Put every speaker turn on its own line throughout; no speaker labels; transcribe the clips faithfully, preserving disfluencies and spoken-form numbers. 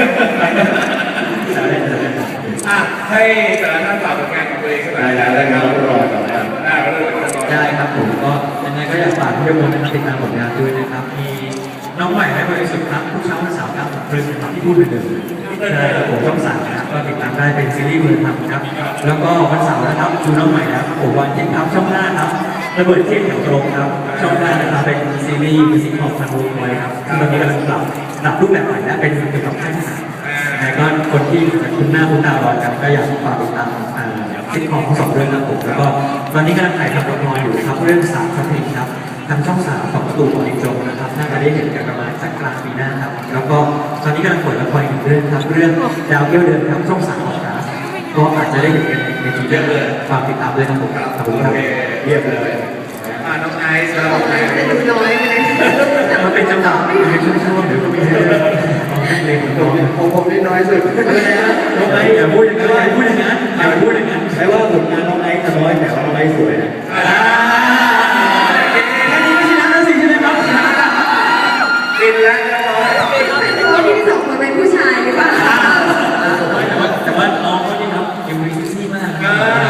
อ่ะให้แต่ละท่านฝากผลงานของตัวเองสักหน่อย
ได้แล้วนะครับรอก่อนนะครับ
ได้ครับผมก็ยังไงก็อยากฝากทุกคนนะครับติดตามผลงานด้วยนะครับมีน้องใหม่และบริสุทธิ์ครับทุกเช้าวันเสาร์ครับครึ่งนะครับที่พูดเหมือนเดิมใช่ครับผมช่องสามนะครับก็ติดตามได้เป็นซีรีส์เวิร์ดทำครับแล้วก็วันเสาร์นะครับดูน้องใหม่แล้วผมวันเที่ยงครับช่องห้าครับระเบิดเที่ยงแถวตรงครับช่องห้านะครับเป็นซีรีส์มิวสิคของทางวงไว้ครับซึ่งตอนนี้กำลังปรับปรับรูปแบบใหม่และเป็นเกี่ยวกับค่ายทหารแต่ก็คนที่คุณหน้าคุณตาร้อนกันก็อยากฝากติดตามซิทคอมทั้งสองเรื่องครับผมแล้วก็ตอนนี้กำลังถ่ายทำละครอยู่ครับเรื่องสามครับเพลงครับทางช่องสามของประตูของอินโจนะครับน่าจะได้เห็นกันประมาณสักกลางปีหน้าครับแล้วก็ตอนนี้กำลังเปิดละครอีกเรื่องครับเรื่องดาวเกี้ยวเดือนครับช่องสามของครับก็อาจจะได้เห็นกันในทีเดียวเลยฝากติดตามด้วยครับผมขอบคุณครับ
เยี่ยมเลยอ่าน้องไอซ์ครับน้องไอซ์
ดูน้อยไปเลย
มันเป็นจังหวะในช่วงๆเดี๋ยวก็มีเพลงของตัว
ของผมนี่น้อยสุด
น้องไอซ์อย่าพูดอย่างนั้นอย่าพูดอย่างนั้นอย่าพูดอย่างนั้น
ใช่ว่าผลงานน้องไอซ์จะน้อยแต่ว่าน้องไอซ์สวยนะ
แค่นี้ไม่ชนะแล้วสิใช่ไหมครับ
กินแล้วเรียบร้อย
คนที่สองคนเป็นผู้ชายหรือเปล่า
แต่ว่าแต่ว่าน้องคนนี้ครับยังมีซี่มาก
ก็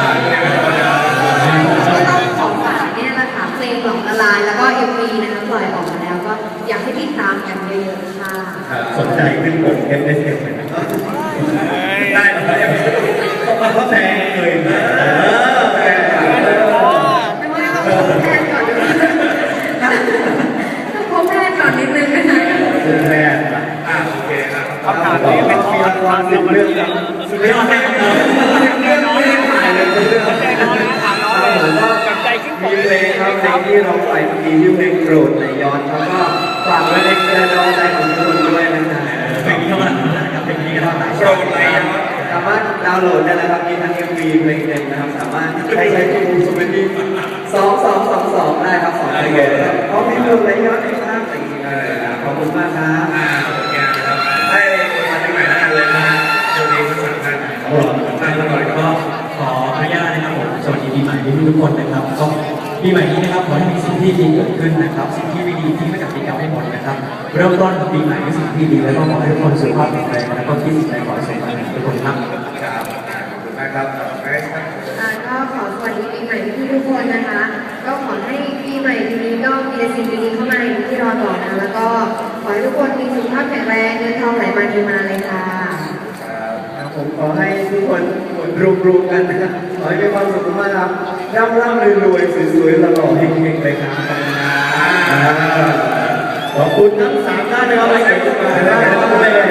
ต้องของฝากเนี่ยแหละค่ะเพลงหลงละลายแล้วก็ เอ็ม วี นะคะปล่อยออกมาแล้วก็อยากให้ติดตามกันเยอะๆค่ะ
สนใจขึ้นกด เอฟ เอส เอฟ เลยนะ
ได้เลย
เขาแพงเลยนะแพง
ไม่ว่าต้องพบแพทย์ก่อนต้องพบแพทย์ก่อนนิดนึงนะคะ
แพง
อ่าโอเคครับ
คำถามนี้เป็นของความสิบเรื่องสิบเรื่องไม่เรื่องน้อยถ่ายเลยเรื่องใจน้อยถามน้อยผมก็ใจขึ้นมีเพลงครับเพลงที่เราใส่เมื่อกี้ชื่อเพลงโกรธในย้อนแล้วก็ฝากไว้ในกระดองใจของทุกคนด้วยนะครับ
เพลงนี้ก็มานะครับเพลงนี้ก็มาหลาย
โปรดในย้อน
สามารถดาวน์โหลดได้แล้วครับมีทั้ง เอ็ม วี เพลงเต็มนะครับสามารถใช้ใช้ที่มูสมิธสองสองสองสองได้ครับสองเพลงเพราะมีเพลงในย้อนในภาพสิ่งนี้ขอบคุณมากครับ
อ่าโอเคครับให้คนมาที่ใหม่แล้วกันเลยนะสวัสดีทั้งสามท่าน
ท่านก่อนก็ขออนุญาตนะครับผมสวัสดีปีใหม่ทุกคนนะครับก็ปีใหม่นี้นะครับขอให้มีสิ่งที่ดีเกิดขึ้นนะครับสิ่งที่ไม่ดีที่ไม่กับปีเก่าให้หมดนะครับเริ่มต้นปีใหม่ด้วยสิ่งที่ดีแล้วก็ขอให้ทุกคนสุขภาพแข็งแรงแล้วก็คิดสิ่งใดขอให้สมหวังทุกคนครับ
ครับนะครับไอซ์ครับ
ก็ขอสวัสดีปีใหม่ที่ทุกคนนะคะก็ขอให้ปีใหม่ปีนี้ก็มีแต่สิ่งดีๆเข้ามาอย่างที่รอต่อนะแล้วก็ขอให้ทุกคนมีสุขภาพแข็งแรงเงินทองไหลมาเทมาเลยค่ะ
ผมขอให้ทุกคนรวมๆกันนะครับขอให้มีความสุขมากครับร่ำร่ำรวยๆสวยๆหล่อๆเฮงๆเลยครับขอบคุณทั้งสามท่านนะครับที่มาแล้ว